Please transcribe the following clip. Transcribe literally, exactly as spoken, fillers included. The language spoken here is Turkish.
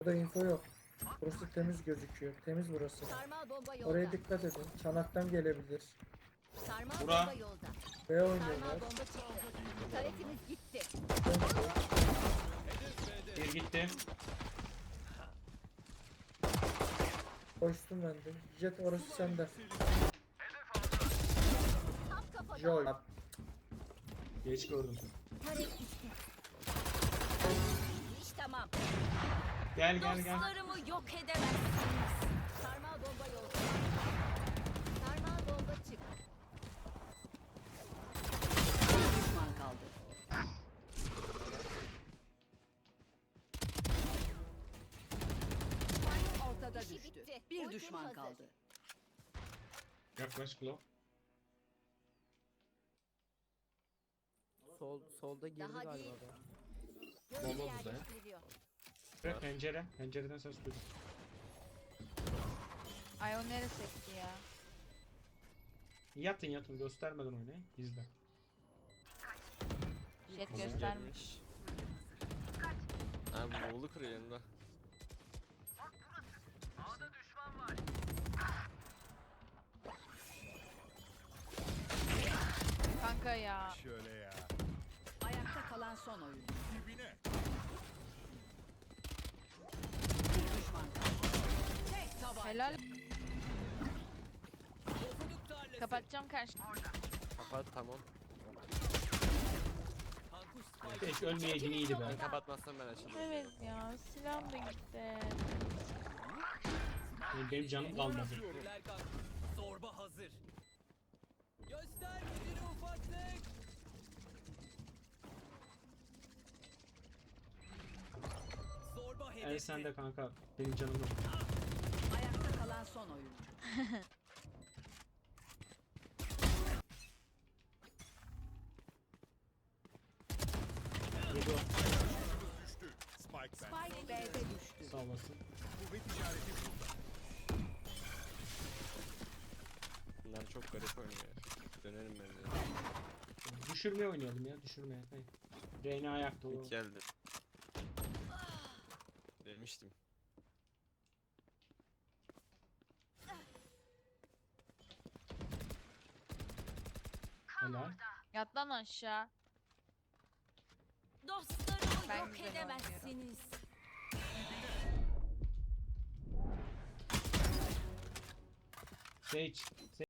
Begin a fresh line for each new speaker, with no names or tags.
Burada info yok. Burası temiz gözüküyor. Temiz burası.
Sarmal bomba yolda.
Oraya dikkat edin. Çanaktan gelebilir.
Sarmal
Bura.
bomba yolda.
B
Sarmal
oynuyorlar.
bomba çıktı. Taretimiz gitti.
Bir gitti.
Koştum ben de. Jet orası sende.
Tam kafadan.
Joy.
Geç gördüm.
Taret gitti. İş tamam.
Gel gel gel.
Dostlarımı yok edemezsiniz. Sarmal bomba yolda. Sarmal bomba çıktı.
Bir düşman kaldı. Spike ortada
İşi
düştü.
bitti.
Bir
Ultim
düşman
hazır.
kaldı.
Yaklaş Klo.
Sol solda girdi
Daha
galiba
değil.
da.
Gözcü
Bomba burada ya.
yerleştiriliyor.
Ve pencere. Pencereden ses duydum.
Ay o neresi etti ya?
Yatın yatın göstermeden oynayın. İzle.
Jet
Tamam.
göstermiş.
Ha Moğol'u kırıyor yanında.
Kanka ya.
Şöyle ya.
Ayakta kalan son oyun.
Dibine.
Bir düşman kaldı. Tek tabanca.
Helal. Kapatacağım karşı.
Kapat tamam.
Hiç ölmeyeydin iyiydi be.
Ben kapatmazsam ben açarım.
Evet ya silahım da gitti.
Benim, benim canım kalmadı.
Zorba hazır. Göster gücünü ufaklık. Zorba hedefte.
El sende kanka. Benim canım yok.
Ayakta kalan son oyun.
Yedi o.
Düştü. Spike ben.
Spike B'de düştü.
Sağ olasın.
Kuvvet işareti burada.
Bunlar çok garip oynuyor. Dönerim ben de.
Düşürmeye oynayalım ya. Düşürmeye. Hey. Reyna ayakta o.
İlk geldi. Demiştim.
Helal.
Yat lan aşağı.
Dostlarımı
Ben
yok
güzel
edemezsiniz.
Sage.